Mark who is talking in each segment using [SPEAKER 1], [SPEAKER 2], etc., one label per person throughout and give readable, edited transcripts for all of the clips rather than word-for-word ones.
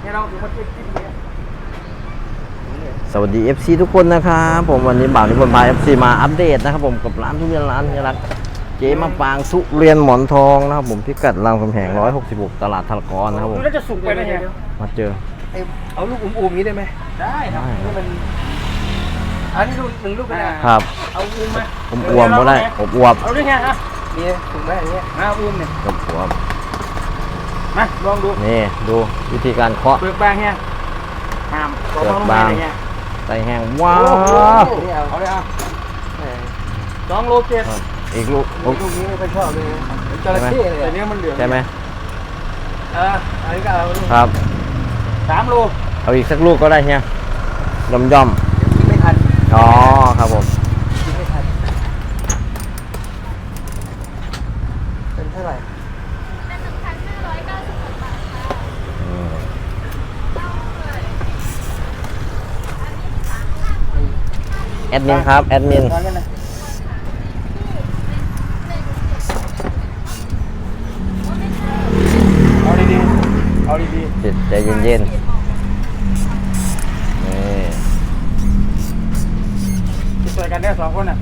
[SPEAKER 1] เนี่ยเราถือว่าเทียบที่เนี่ย
[SPEAKER 2] สวัสดี FC ทุกคนนะครับผมวันนี้บ่าวนิพนธ์พา FC มาอัปเดตนะครับผมกับร้านทุเรียนร้านนี้รักเจ๊มะปางสุเรียนหมอนทองนะครับผมพิกัดรามคำแหง166ตลาดทารกรนะครับผม
[SPEAKER 1] ดูแล้วจะสุกไปนะเฮีย
[SPEAKER 2] มาเจอ
[SPEAKER 3] เอาลูกอุ้มๆนี้ได้ไหม
[SPEAKER 1] ได้ครับ
[SPEAKER 3] นี่มันอันนี้ลูก1 ลูกก็ได้
[SPEAKER 2] ครับ
[SPEAKER 1] เอาอุ้มมา
[SPEAKER 2] ผมอวมก็ได้อบอวบ
[SPEAKER 1] เอาด้วยเฮียฮะ
[SPEAKER 3] นี่ถูกไหมอันเนี้ย
[SPEAKER 1] มาอุ้มเนี่ย
[SPEAKER 2] อบอวบ
[SPEAKER 1] มาลองดู
[SPEAKER 2] นี่ดูวิธีการเคาะ
[SPEAKER 1] เปลือกบางเฮียห้าม
[SPEAKER 2] เปลือกบาง
[SPEAKER 1] เฮีย
[SPEAKER 2] ใส่แห้งว้าว
[SPEAKER 3] นี่เอา
[SPEAKER 1] เอาเลยอ่ะ
[SPEAKER 3] แหม
[SPEAKER 1] 2 โล 7
[SPEAKER 2] อีกลูก
[SPEAKER 3] ลูกนี้ไม่ค่อยชอบเลยเป็นจระเข้เลย
[SPEAKER 1] แต่
[SPEAKER 3] อะ
[SPEAKER 1] เนี้ยมันเหลือง
[SPEAKER 2] ใช่ไหม
[SPEAKER 3] อันนี้ก็เอาลูก
[SPEAKER 2] ครับ
[SPEAKER 1] 3 โล
[SPEAKER 2] เอาอีกสักลูกก็ได้เฮียย่อม
[SPEAKER 3] กินไม่ทัน
[SPEAKER 2] ๆอ๋อครับผม
[SPEAKER 3] กินไม่ทันเป็นเท่าไหร่
[SPEAKER 2] แอดมินครับแอดมิน
[SPEAKER 1] ตอนนั้นนะเอาดีๆเอาดี
[SPEAKER 2] จิตใจเย็นๆนี่
[SPEAKER 1] ๆจะช่วยกันได้2 คนน่ะ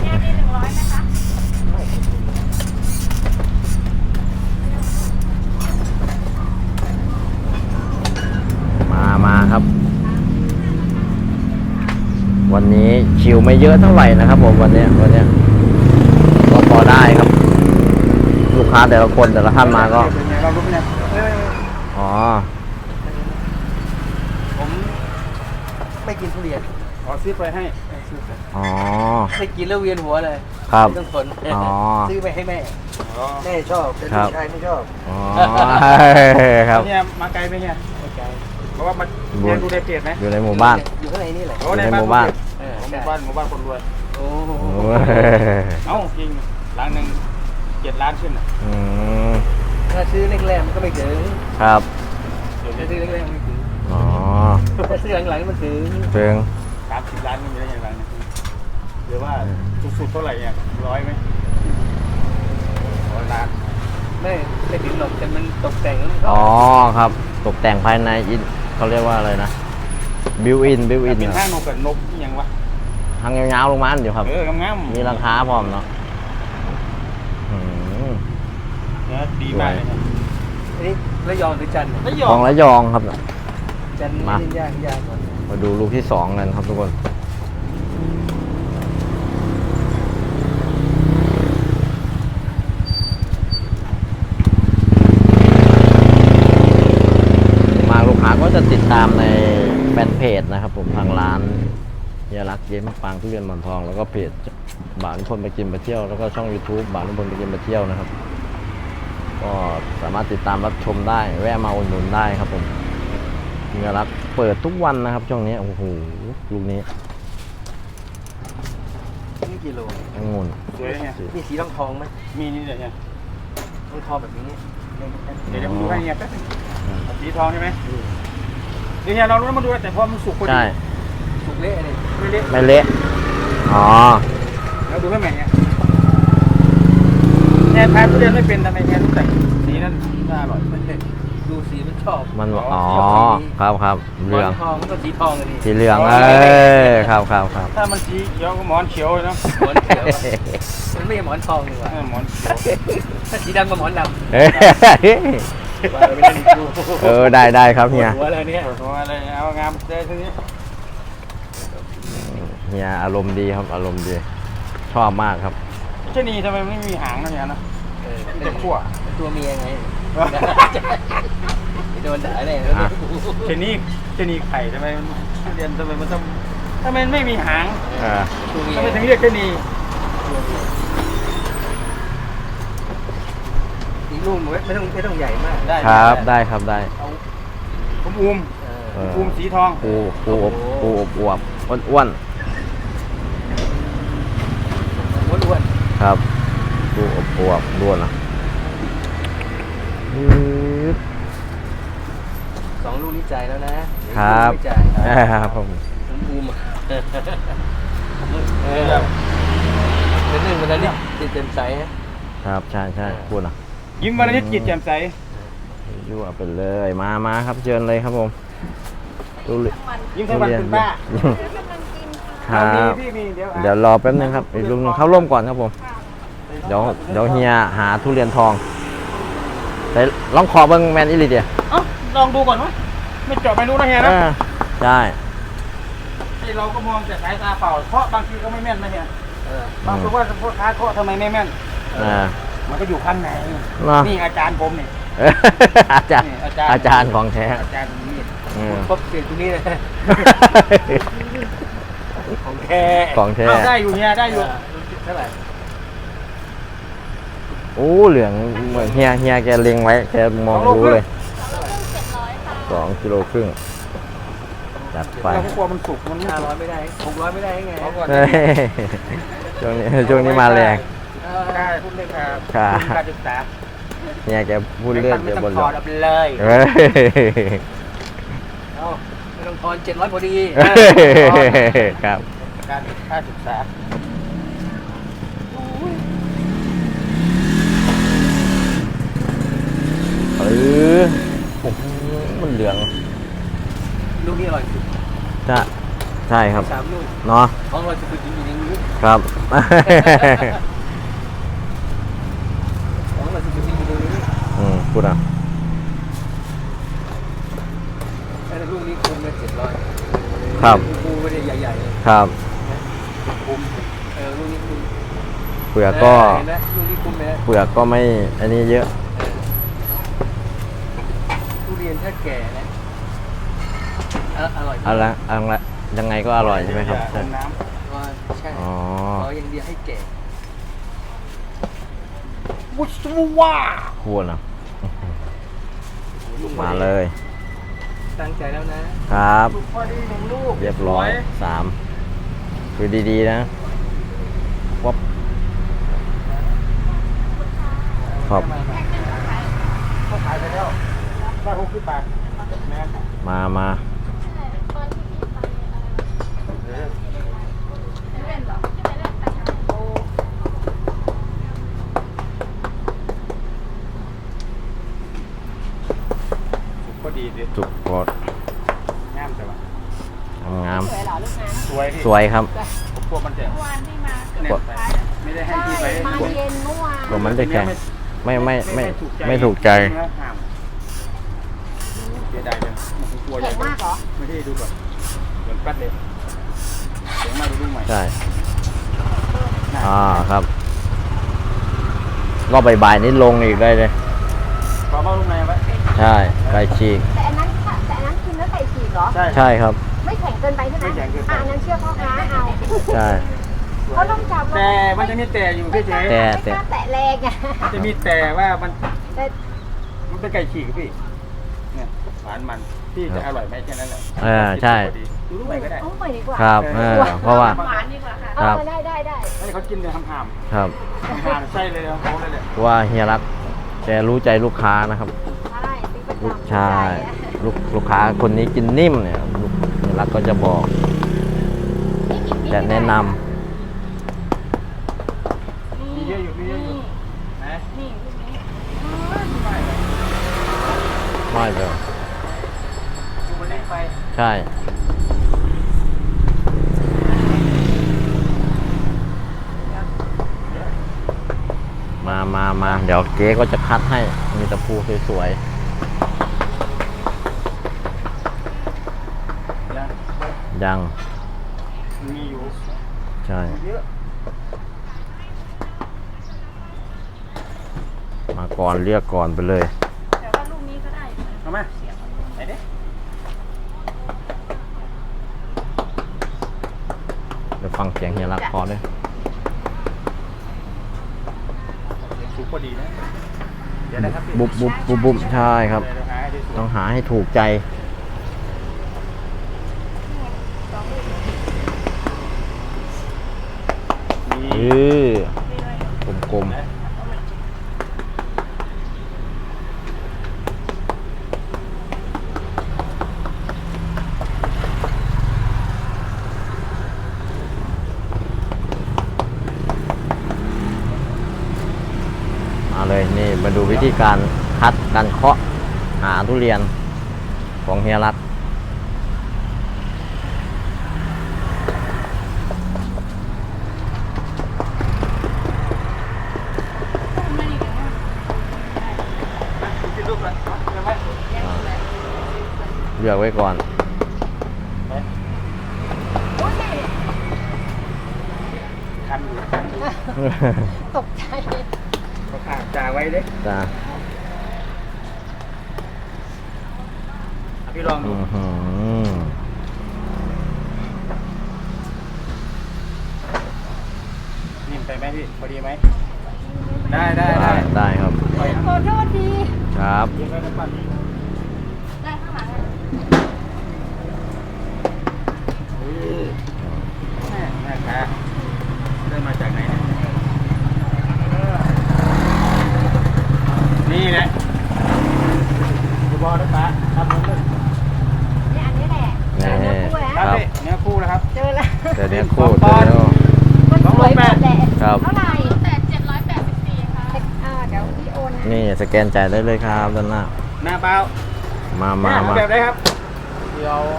[SPEAKER 2] มาครับ วันนี้คิวไม่เยอะเท่าไหร่นะครับผมวันนี้ก็พอได้ครับ ลูกค้าแต่ละคนแต่ละท่านมาก็
[SPEAKER 1] เป็นไงเรารู้ไหมเนี่ย
[SPEAKER 2] อ๋อ
[SPEAKER 3] ผมไม่กินทุเรียน
[SPEAKER 1] ขอซื้อไปให้
[SPEAKER 2] อ๋อ
[SPEAKER 3] ไม่กินแล้วเวียนหัวเลย
[SPEAKER 2] ครับ
[SPEAKER 3] ไม่ต้องทน
[SPEAKER 2] อ๋อ
[SPEAKER 3] ซื้อไปให้แม่แม่ชอบแต่
[SPEAKER 2] ครั
[SPEAKER 3] ลู
[SPEAKER 2] บ
[SPEAKER 3] กชายไม่ชอบ
[SPEAKER 2] อ๋อครับ
[SPEAKER 1] เนี่ยมาไกลไหมเนี่ย
[SPEAKER 3] ไม่ใจ
[SPEAKER 1] เพราะว่ามันเรียนดูในเพจไหม
[SPEAKER 2] อยู่ในหมู่บ้าน
[SPEAKER 3] อยู่ข้างในนี่แหละ
[SPEAKER 1] โอ้
[SPEAKER 2] อยู่ในหมู่บ้าน
[SPEAKER 3] เออ
[SPEAKER 1] ห
[SPEAKER 3] ใช่
[SPEAKER 1] มู่บ้านคนรวย
[SPEAKER 3] โอ้โห
[SPEAKER 2] โอ้ย
[SPEAKER 1] เอ้าจริงหลังหนึ่ง7 ล้านขึ้นอ่ะ
[SPEAKER 2] อืม
[SPEAKER 3] ถ้าซื้อแรกๆมันก็ไม่ถึง
[SPEAKER 2] ครับ
[SPEAKER 1] เดี๋ยว
[SPEAKER 3] ถ้า
[SPEAKER 1] นี้
[SPEAKER 3] ซื้อแรกๆมันไม่ถึง
[SPEAKER 2] อ๋อ
[SPEAKER 3] ถ้าซื้อหลังๆมันถึง
[SPEAKER 2] เพิง
[SPEAKER 1] 30 ล้านก็มีได้ยังไงเนี่ยหรือว่าสุดๆเท่าไหร่เนี่ย100ไหม100 ล้าน
[SPEAKER 3] ไม่ถึงหรอกแต่มันตกแต่งแล้วมันก็
[SPEAKER 2] อ๋อครับ ตกแต่งภายในอินเขาเรียกว่าอะไรนะบิวอิน
[SPEAKER 1] เป็นห้างนกกับนกที่ยังวะ
[SPEAKER 2] ทางยาวๆลงมาอันเดียวครับ
[SPEAKER 1] งามๆ
[SPEAKER 2] มีราคาพร้อมเนาะอืม
[SPEAKER 1] เนื้อดีมากเลยครับ
[SPEAKER 3] อันนี้ระยองหรือจันทร์
[SPEAKER 1] แล้วย
[SPEAKER 2] ของระยองครับ
[SPEAKER 3] จันทร์
[SPEAKER 2] มา
[SPEAKER 3] นี่ยากกว่า
[SPEAKER 2] มาดูลูกที่2กันครับทุกคนมาลูกค้าก็จะติดตามในแฟนเพจนะครับผมทางร้านเฮียรักเย้มะปางทุเรียนหมอนทองแล้วก็เพจบ่าวนิพนธ์ไปกินไปเที่ยวแล้วก็ช่อง YouTube บ่าวนิพนธ์ไปกินไปเที่ยวนะครับก็สามารถติดตามรับชมได้แวะมาอุดหนุนได้ครับผมเฮียรักเปิดทุกวันนะครับช่วงนี้โอ้โหลูกนี้
[SPEAKER 3] นี่กิโล
[SPEAKER 2] องุ่น
[SPEAKER 1] สวยเนี่ย
[SPEAKER 3] มีสีทองไหม
[SPEAKER 1] มีนี่เดี๋ยวเนี่ย
[SPEAKER 3] ทองแบบนี้
[SPEAKER 1] เดี๋ยวผมดูให้เนี่ยแป๊บนึงสีทองใช่ไหมเดี๋ยวเนี่ยเรารู้มาดูแต่พอมันสุกพอดี
[SPEAKER 2] ใช่
[SPEAKER 3] สุกเละเลย
[SPEAKER 1] ไม่เละ
[SPEAKER 2] ไม่เละอ๋อ
[SPEAKER 1] เราดูให้แม่เนี่ยแทนทุเรียนไม่เป็นทำไมแทนต้องแต่งสีนั้นน่าอร่อย
[SPEAKER 3] ดูสีมันชอบ
[SPEAKER 2] มันอ๋อครับครับเหลือง
[SPEAKER 3] ทองมันก็สีทองเลย
[SPEAKER 2] สีเหลืองครับครับครับ
[SPEAKER 1] ถ้ามันสีเขียวก็หมอนเขียวเลยเนาะ
[SPEAKER 3] หมอนเขียวมันไม่ใช่หมอนทองดีกว่า
[SPEAKER 1] หมอนเขียว
[SPEAKER 3] ถ้าสีดำก็หมอนด
[SPEAKER 2] เอ้ย
[SPEAKER 3] ำว่าไม่ได้ดู
[SPEAKER 2] ได้ครับเฮีย
[SPEAKER 3] หัวอะไรเนี่ย
[SPEAKER 1] ตัวอะไรเอางามได้ทีนี้
[SPEAKER 2] เฮียอารมณ์ดีครับอารมณ์ดีชอบมากครับ
[SPEAKER 1] ชะนีทำไมไม่มีหางนะเนี่ยนะมีแต่ขั้ว
[SPEAKER 3] ตัวเมียไงโดนด่าแน่
[SPEAKER 1] ชะนีไข่ทำไมมันทุเรียนทำไมมันต้องทำไมไม่มีหาง
[SPEAKER 3] ตัวเมีย
[SPEAKER 1] ทำไมถึงเรียกชะนี
[SPEAKER 3] อีกลูกไม่ต้องใหญ่มาก
[SPEAKER 1] ได้
[SPEAKER 2] ครับได้ครับได้
[SPEAKER 1] ผมอุ้ม อุ้มสีทอง
[SPEAKER 2] ปูอบอวบอ้วน
[SPEAKER 3] อ้วน
[SPEAKER 2] ๆครับปูอบอวบด้วนอ่ะ
[SPEAKER 3] 2 ลูกนี้จ่ายแล้วนะครับ จ่าย
[SPEAKER 2] ครับผม
[SPEAKER 3] ผมบูมเป็นหนึ่งวันนั้นนี่ติดเต็มใสฮะ
[SPEAKER 2] ครับใช่พูดอ่ะ
[SPEAKER 1] ยิ้มวันนี้จิตแจ่มใส
[SPEAKER 2] ยั่วไปเลยมาครับเชิญเลยครับผมทุเรียน
[SPEAKER 1] ยิ้มทั้งวันคุณป้า
[SPEAKER 2] ครับ
[SPEAKER 1] พี่มีเดี๋ยว
[SPEAKER 2] เดี๋ยวรอแป๊บนึงครับอีกลูกนึงเข้าร่วมก่อนครับผมเดี๋ยวเฮียหาทุเรียนทองแต่ลองขอเบิ้งแมนอิลิเดีย
[SPEAKER 1] เอ้าลองดูก่อนไหมไม่เจาะไม่รู้นะเฮียนะ
[SPEAKER 2] ใช่
[SPEAKER 1] ที่เราก็มองแต่สายตาเปล่าเพราะบางทีก็ไม่แม่นนะเฮียบางคนว่าพ่อค้าเคาะทำไมไม่แม่น มันก็อยู่ข้างในนี่อาจารย์ผมนี่
[SPEAKER 2] อาจารย์อาจารย์ของแท้
[SPEAKER 1] อาจารย์มีด
[SPEAKER 3] ปุ๊บเปลี่ยนตรงนี้เลย
[SPEAKER 1] ของแท้
[SPEAKER 2] ของแท้
[SPEAKER 1] เอาได้อยู่เฮียได้อยู่
[SPEAKER 3] เท่าไหร่
[SPEAKER 2] โอ้เหลืองเหมือนเฮียแกเล็งไว้แกมองรู้เลย2 กิโลครึ่งจัดไป
[SPEAKER 1] เราก็กลัวมันสุกมันไม่สุก
[SPEAKER 3] 500ไม่ได้600ไม่ได้ไง
[SPEAKER 1] เอาก่อน
[SPEAKER 2] เฮ้ยช่วงนี้มาแรง
[SPEAKER 1] ได้พูดเลยครับ
[SPEAKER 2] ครับ
[SPEAKER 1] การศึกษา
[SPEAKER 2] เฮียแกพูดเรื่อง
[SPEAKER 1] ไม่
[SPEAKER 2] เดี๋ยว
[SPEAKER 1] ต้
[SPEAKER 2] บ
[SPEAKER 1] อง
[SPEAKER 2] น
[SPEAKER 1] ถ
[SPEAKER 2] หล
[SPEAKER 1] อ
[SPEAKER 2] อ
[SPEAKER 1] ด
[SPEAKER 2] ด
[SPEAKER 1] เอาไปเลย
[SPEAKER 2] เฮ้ย
[SPEAKER 3] เอาไม่ต้องทอน700พอดี
[SPEAKER 2] ครับ
[SPEAKER 1] การค่าศึกษา
[SPEAKER 2] โอ้โหมันเหลือง
[SPEAKER 3] ลูกนี้อร่อยสุด
[SPEAKER 2] ใช่ครับ
[SPEAKER 3] 3 ลูก
[SPEAKER 2] เนาะ
[SPEAKER 3] ของเราจะไปกินอย่างนี้
[SPEAKER 2] ครับ
[SPEAKER 3] ของเราจะไปกินอย่างนี้
[SPEAKER 2] พูดอ่ะ
[SPEAKER 3] แต่ลูกนี้คุ้มเลย700
[SPEAKER 2] ครับ
[SPEAKER 3] กูไม่ได้ใหญ่ๆเลย
[SPEAKER 2] ครับ
[SPEAKER 3] คุ้มลูกนี้คุ้ม
[SPEAKER 2] เปลือกก็
[SPEAKER 3] เห็นไหมลูกนี้คุ้มไหม
[SPEAKER 2] เปลือกก็ไม่อันนี้เยอะ
[SPEAKER 3] ทุเรียนถ้าแก่นะอร่อย
[SPEAKER 2] อะไรยังไงก็อร่อยใช่ไหมครับ
[SPEAKER 1] อย่าลงน้
[SPEAKER 3] ใช่
[SPEAKER 2] อ๋อ
[SPEAKER 3] ขออย่างเดียวให้แก่
[SPEAKER 1] ำวุ้ชว่า
[SPEAKER 2] ควรอ่ะมาเลย
[SPEAKER 3] ตั้งใจแล้วนะครับ
[SPEAKER 1] สุกพอดี1 ลูก
[SPEAKER 2] เรียบร้อย3คือดีๆนะวับครับ
[SPEAKER 1] เขาขายไปแล้วได้60 บาทแม่
[SPEAKER 2] มา
[SPEAKER 1] ก็ดีดิ
[SPEAKER 2] จุกกด
[SPEAKER 1] งามแต่ว่าง
[SPEAKER 2] าม
[SPEAKER 4] สวยเหรอลูกน้ำ
[SPEAKER 1] สวยพี่
[SPEAKER 2] สวยครับ
[SPEAKER 1] พวกมันจะ
[SPEAKER 4] เมื่อวานที่มาเกือบ
[SPEAKER 1] เนี่ย
[SPEAKER 4] สุดท้าย
[SPEAKER 1] ไม่ได้ให้
[SPEAKER 4] ใช่
[SPEAKER 1] ที่ไป
[SPEAKER 4] มาเย็นเมื่อวาน
[SPEAKER 2] ตัวมันจะแข็งไม่ถูกใจ
[SPEAKER 1] ห้ามเสียดายจังมันกลัว
[SPEAKER 4] แข็งมากเหรอ
[SPEAKER 1] ไม่ได้ดูก่อนเหมือนแป๊ดเลยเสียงมาดูใหม่
[SPEAKER 2] ใช่ครับก็บ่ายๆนี้ลงอีกได้เลย
[SPEAKER 1] ขอมาลูกในไว้
[SPEAKER 2] ใช่ไก่ฉีก
[SPEAKER 4] แต่อันนั้นกินแล้วใส่ฉีกเหรอ
[SPEAKER 1] ใช่
[SPEAKER 2] ใช่ครับ
[SPEAKER 4] ไม่แข็งเกินไปใช่ไหม
[SPEAKER 1] ไม่แข็งเกินไป
[SPEAKER 4] อันนั้นเชื่อพ่อค้าเอา
[SPEAKER 2] ใช่
[SPEAKER 4] เขาต้องจับ
[SPEAKER 1] แต่มันจะมีแต่อยู่พี่เจ๊
[SPEAKER 2] แต่
[SPEAKER 4] ไม่กล้าแตะแรงอ่ะ
[SPEAKER 1] มันจะมีแต่ว่ามัน
[SPEAKER 4] แต่
[SPEAKER 1] มันเป็นไก่ฉีกพี่เนี่ยหวานมันพี่จะอร่อยไหมแค่นั้นแหละ
[SPEAKER 2] ใช่
[SPEAKER 1] ดูลูกใหม่ก็ได้
[SPEAKER 4] เอาใหม่ดีกว่า
[SPEAKER 2] ครับเพราะว่า
[SPEAKER 4] หวานดีกว่าค่ะ
[SPEAKER 2] ครับ
[SPEAKER 4] ได้
[SPEAKER 1] ให้เขากินเลยห้าม
[SPEAKER 2] ครับ
[SPEAKER 1] ๆห้ามๆใช่เลยของเขาเลยแหละ
[SPEAKER 2] ว่าเฮียรักแกรู้ใจลูกค้านะครับ
[SPEAKER 4] ใช่ซื้อประจำ
[SPEAKER 2] ลูกชายลูกค้าคนนี้กินนิ่มเนี่ยเฮียรักก็จะบอกจะแนะน
[SPEAKER 1] มีเยอะอยู่มีเยอะอยู่นะ
[SPEAKER 4] นี่ลูกนี้
[SPEAKER 1] ไม่เลย
[SPEAKER 2] ำน้อยเลย
[SPEAKER 1] ดูมันเล็กไป
[SPEAKER 2] ใช่ มาเดี๋ยวเก๊ก็จะคัดให้มีตะปูสวย
[SPEAKER 1] ยัง
[SPEAKER 2] ๆยัง
[SPEAKER 1] มีอยู่
[SPEAKER 2] ใช่
[SPEAKER 1] เยอะ
[SPEAKER 2] มาก่อนเรียกก่อนไปเลย
[SPEAKER 4] แต่ว่าลูกนี้ก็ได้
[SPEAKER 1] เอาไหมไหนดิ
[SPEAKER 2] เดี๋ยวฟังเสียงเฮียรักพอเลย
[SPEAKER 1] สุกพอดีนะเดี๋ยวนะครับพี่
[SPEAKER 2] บุบใช่ครับ
[SPEAKER 1] เดี๋ยวหาให้ได้สวย
[SPEAKER 2] ต้องหาให้ถูกใจ
[SPEAKER 1] มี
[SPEAKER 2] กลม
[SPEAKER 1] นะ
[SPEAKER 2] มาเลยนี่มาดูวิธีการคัดการเคาะหาทุเรียนของเฮียรักเลือกไว้ก่อน
[SPEAKER 1] คันอยู่คันอยู่
[SPEAKER 4] ตกใจ
[SPEAKER 1] ก็ขาดจ่าไว้เด้
[SPEAKER 2] จ้า
[SPEAKER 1] พี่ลองดู นิ่มไปไหมพี่พอดีไหมได้ได้ได้
[SPEAKER 2] ได้ครับ
[SPEAKER 4] ขอโทษที
[SPEAKER 2] ครับ
[SPEAKER 1] ยิงไว้ในปั่น
[SPEAKER 4] ได้ข้างหลัง
[SPEAKER 1] แม่ค้าได้มาจากไหนนี่แหละดูบอลนะป้าทำมันเลย
[SPEAKER 4] นี่อันนี้แหละเจอเนื้อคู่แล้ว
[SPEAKER 1] ครับพี่เนื้อคู่แล้วครับ
[SPEAKER 4] เจอแล้ว
[SPEAKER 2] แต่เนี้ยคู่เดียว
[SPEAKER 4] มันสวยหมดแหละ
[SPEAKER 2] ครับ
[SPEAKER 4] เท่าไหร่แต่784ค่ะเดี๋ยวพี่โอน
[SPEAKER 2] นี่สแกนจ่ายได้เลยครับด้านหน้า
[SPEAKER 1] หน้าเปล่า
[SPEAKER 2] มา
[SPEAKER 1] แบบไหนครับ
[SPEAKER 3] เดี๋ยว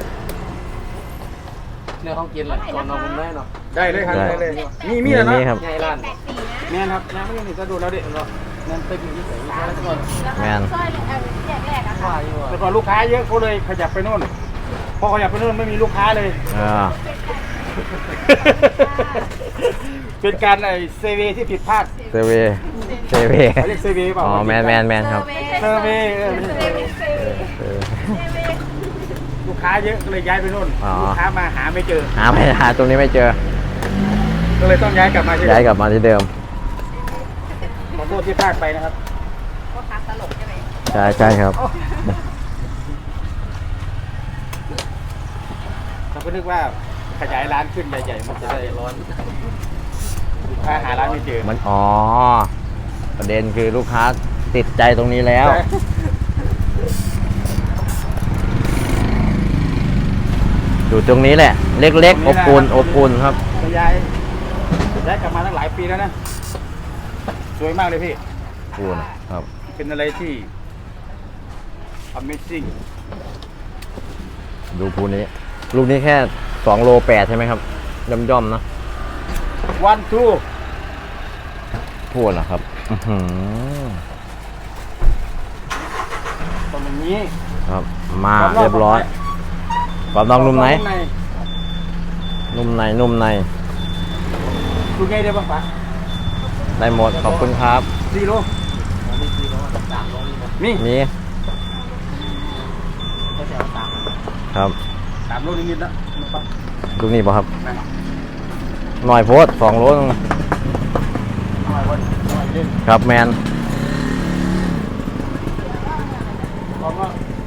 [SPEAKER 3] เนี่ยเขากินแหละก่อนนอนผมได้เนาะ
[SPEAKER 1] ได้เลยครับได้เลยมีแล้วเนาะ
[SPEAKER 2] นี่ครับ
[SPEAKER 3] ใหญ่ร้าน
[SPEAKER 4] 84นะ
[SPEAKER 1] แม่นครับยังไม่ได้จะดูแล้วดิแม่นเต็มที่ใส่แล้วก่อน
[SPEAKER 2] แมน
[SPEAKER 4] ซอยแรกอะค่ะ
[SPEAKER 3] ว่าอยู่
[SPEAKER 1] แต่ก่อนลูกค้าเยอะเขาเลยขยับไปโน่นพอขยับไปโน่นไม่มีลูกค้าเลย เป็นการเซเวที่ผิดพลาด
[SPEAKER 2] เซเวเซเว
[SPEAKER 1] เขาเรียกเซเวเปล่า
[SPEAKER 2] อ๋อแมนครับ
[SPEAKER 1] เซเวลูกค้าเยอะก็เลยย้ายไปโน่น
[SPEAKER 2] อ๋อ
[SPEAKER 1] ลูกค้ามาหาไม่เจอ
[SPEAKER 2] หาตรงนี้ไม่เจอ
[SPEAKER 1] ก็เลยต้องย้ายกลับมาที่
[SPEAKER 2] ย้ายกลับมาที่เดิม
[SPEAKER 1] ขอโทษที่พลาดไปนะครับ
[SPEAKER 4] พ่อค้าตลกใช่ไหม
[SPEAKER 2] ใช่ครับ
[SPEAKER 1] เราก็นึกว่าขยายร้านขึ้นใหญ่ๆมันจะได้ร้อนลูกค้าหาร้านไม่เจอ
[SPEAKER 2] มันประเด็นคือลูกค้าติดใจตรงนี้แล้ว อยู่ตรงนี้แหละ เล็กๆ อบอุ่นครับ
[SPEAKER 1] ย้ายกลับมาตั้งหลายปีแล้วนะสวยมากเลยพี่
[SPEAKER 2] อุ่นครับ
[SPEAKER 1] เป็นอะไรที่ Amazing
[SPEAKER 2] ดูภูนี้ ลูกนี้แค่2.8 โลใช่ไหมครับย่อมๆนะ
[SPEAKER 1] One two
[SPEAKER 2] พูดนะครับ
[SPEAKER 1] ตรงนี้
[SPEAKER 2] ครับ มาเรียบร้อยความนองนุ่มไหน นุ่มใน
[SPEAKER 1] ดูไงได้บ้างปะ
[SPEAKER 2] ได้หมด ขอบคุณครับ
[SPEAKER 1] 4 โลมี
[SPEAKER 2] นี่ครับ
[SPEAKER 1] 3 โลนิดๆแล้ว
[SPEAKER 2] ลูกนี้ป่ะครับ
[SPEAKER 1] นั่น
[SPEAKER 2] หน่อยโพส2 โลนึง
[SPEAKER 1] หน่อยวันหน่อยเล่น
[SPEAKER 2] ครับแมน
[SPEAKER 1] พร้อมว่า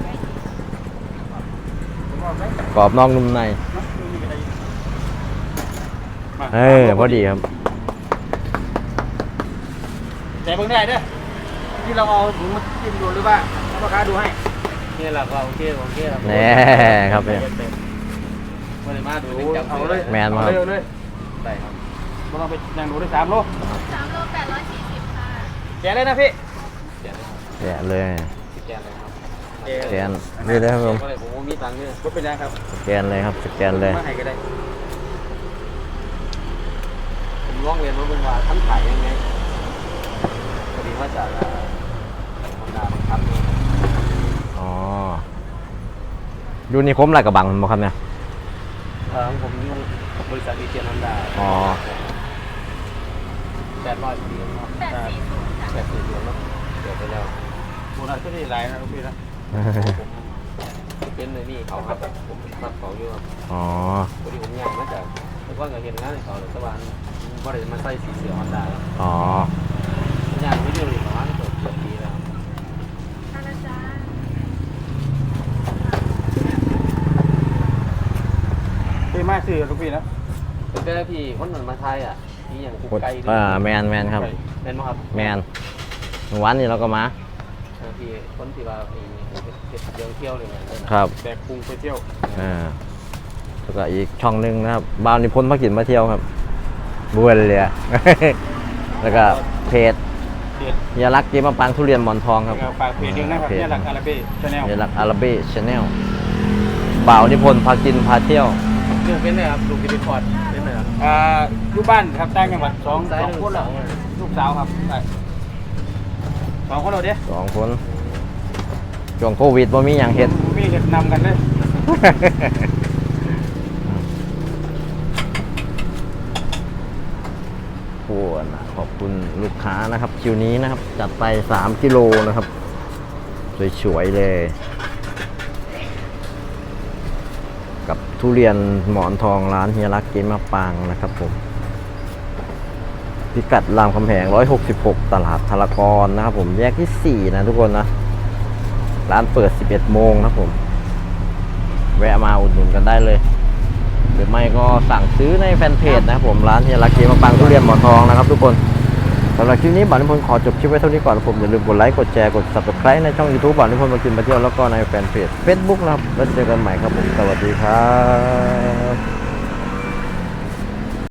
[SPEAKER 2] กรอบนอกนุ่มใน พอดีครับ
[SPEAKER 1] แต่เพิ่งได้เด้อที่เราเอาถุงมาจิ้มดูหรือว่าพ่อค้าดูให้
[SPEAKER 3] นี่แหละก็โอเคครับ
[SPEAKER 2] แน่ครับเนี่ย
[SPEAKER 3] มาเลยมาดู
[SPEAKER 1] เอาเลย
[SPEAKER 2] แมนมา
[SPEAKER 1] เอาเลย
[SPEAKER 3] ได้ครับ
[SPEAKER 1] เราต้องไปยังดูได้3 โล
[SPEAKER 4] 3 โล 840 ค่ะ
[SPEAKER 1] แกะเลยนะพี่
[SPEAKER 2] แกะเลย
[SPEAKER 3] แกนเลยครับ
[SPEAKER 2] สแกนนี่เลยครับผม
[SPEAKER 3] ก็เลยผมมีตังค์ด้วย
[SPEAKER 1] ก็เป็นยังครับ
[SPEAKER 2] สแกนเลยครับสแกนเลย
[SPEAKER 1] มาให้ก็ได้
[SPEAKER 3] ผมร้องเรียนว่าเป็นว่าทำขายยังไงพอดีว่าจากธรรมดาบังคับ
[SPEAKER 2] อ๋อยูนิคมลาดกระบังมั้งครับเนี่ย
[SPEAKER 3] ผมยุ่งบริษัทดีเจนันดา
[SPEAKER 2] อ๋อ
[SPEAKER 3] 800 ปีแล้ว
[SPEAKER 4] 840
[SPEAKER 3] 80 เดือนแล้วเดี๋ยวไปแล้ว
[SPEAKER 1] โบนัสก็ได้หลายนะพี่นะ
[SPEAKER 3] ผมเป็นในนี่เขาครับผมรับเขาอยู่ครับ
[SPEAKER 2] อ๋อ
[SPEAKER 3] พอดีผมย้ายมาจากแต่ว่าเห็นงานในเขาเลยแต่ว่าบ่ได้มาใส่สีเสือฮอนด้าแล้ว
[SPEAKER 2] อ๋อ
[SPEAKER 3] ย้ายไม่ได้เลยประมาณเกือบปีแล้ว
[SPEAKER 4] ท่านอาจารย์
[SPEAKER 1] พี่มาซื้อลูกพี่นะ
[SPEAKER 3] เป็นแต่พี่คนนั้นมาไทยอ่ะพี่อย่างกุ๊กไก่
[SPEAKER 2] แมนครับ
[SPEAKER 3] แม่นบ่ครับ
[SPEAKER 2] แมนวันนี้เราก็มา
[SPEAKER 3] พี่คนที่ว่าเดินเที่ยวเลยนะครับ
[SPEAKER 1] แบกพุงไปเที่ยว
[SPEAKER 2] แล้วก็อีกช่องหนึงนะครับบาวนิพนธ์มากินมาเที่ยวครับบัวเลยอะ แล้วก็เพจ
[SPEAKER 1] เพจ
[SPEAKER 2] เฮียรักเจ๊มะปางทุเรียนหมอนทองครับ
[SPEAKER 1] ฝากเพจด้วยนะครับเนี่ยหลักอาราเบ้ชาแนล
[SPEAKER 2] เฮียรักอาราเบ้ชาแนลบ่าวนิพนธ์พากินพาเที่ยว
[SPEAKER 3] เรื่องเป็นเลยครับลูกกิติพอดเป็นเลยครับ
[SPEAKER 1] อยู่บ้านครับต่างจังหวัดสอง
[SPEAKER 3] ซ้ายหนึ่ง
[SPEAKER 1] คนแล้ว
[SPEAKER 3] สอง
[SPEAKER 1] ลูกสาวครับใช่2 คนเราเด้
[SPEAKER 2] 2 คนช่วงโควิดบ่มีอย่างเฮ็ด
[SPEAKER 1] มีเห็ดนำกันเลย
[SPEAKER 2] โอ้นะขอบคุณลูกค้านะครับ คิวนี้นะครับ จัดไป3 กิโลนะครับ สวยๆเลย กับทุเรียนหมอนทองร้านเฮียรักเจ๊มะปางนะครับผม พิกัดรามคำแหง166 ตลาดธารกรนะครับผมแยกที่ 4 นะทุกคนนะ ร้านเปิด 11 โมงนะครับผม แวะมาอุดหนุนกันได้เลย หรือไม่ก็สั่งซื้อในแฟนเพจนะครับผมร้านเฮียรักเจ๊มะปางทุเรียนหมอนทองนะครับทุกคนสำหรับคลิปนี้บ่าวนิพนธ์ขอจบคลิปไว้เท่านี้ก่อนผมอย่าลืมกดไลค์กดแชร์กด Subscribe ในช่อง YouTube บ่าวนิพนธ์มากินมาเที่ยวแล้วก็ในแฟนเพจ Facebook นะครับแล้วเจอกันใหม่ครับผมสวัสดีครับ